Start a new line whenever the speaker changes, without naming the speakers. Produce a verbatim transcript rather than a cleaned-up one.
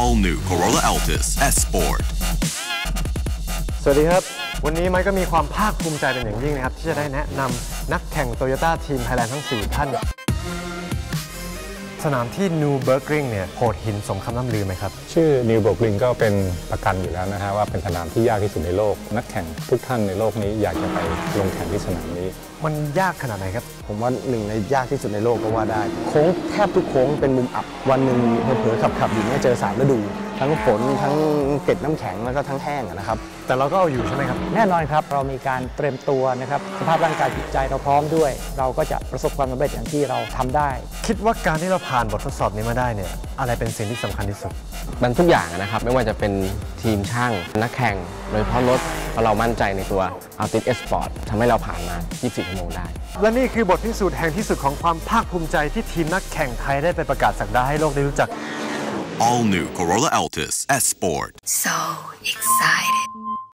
All New Corolla Altis S Sport
สวัสดีครับวันนี้ไมค์ก็มีความภาคภูมิใจเป็นอย่างยิ่งนะครับที่จะได้แนะนำนักแข่ง Toyota ทีมไทยแลนด์ทั้งสี่ท่านสนามที่ New Burgring เนี่ยโหดหินสมคำล่ำลือไหมครับ
ชื่อ New Burgring ก็เป็นประกันอยู่แล้วนะฮะว่าเป็นสนามที่ยากที่สุดในโลกนักแข่งทุกท่านในโลกนี้อยากจะไปลงแข่งที่สนามนี้
มันยากขนาดไหนครับ
ผมว่าหนึ่งในยากที่สุดในโลกก็ว่าได้โค้งแทบทุกโค้งเป็นมุมอับวันหนึ่งเผลอๆขับๆอยู่เนี่ยเจอสามฤดูทั้งฝนทั้งเกล็ดน้ำแข็งแล้วก็ทั้งแห้งนะครับ
แต่เราก็เอาอยู่ใช่ไหมครับ
แน่นอนครับเรามีการเตรียมตัวนะครับสภาพร่างกายจิตใจเราพร้อมด้วยเราก็จะประสบความสำเร็จอย่างที่เราทำได้
คิดว่าการที่เราผ่านบททดสอบนี้มาได้เนี่ยอะไรเป็นสิ่งที่สำคัญที่สุด
มันทุกอย่างนะครับไม่ว่าจะเป็นทีมช่างนักแข่งโดยเฉพาะรถเพราะเรามั่นใจในตัว Altis S Sport ทำให้เราผ่านมายี่สิบสี่ชั่วโมงได้
และนี่คือบทพิสูจน์แห่งที่สุดของความภาคภูมิใจที่ทีมนักแข่งไทยได้ไปประกาศศักดาให้โลกได้รู้จัก
All New Corolla Altis S Sport
So excited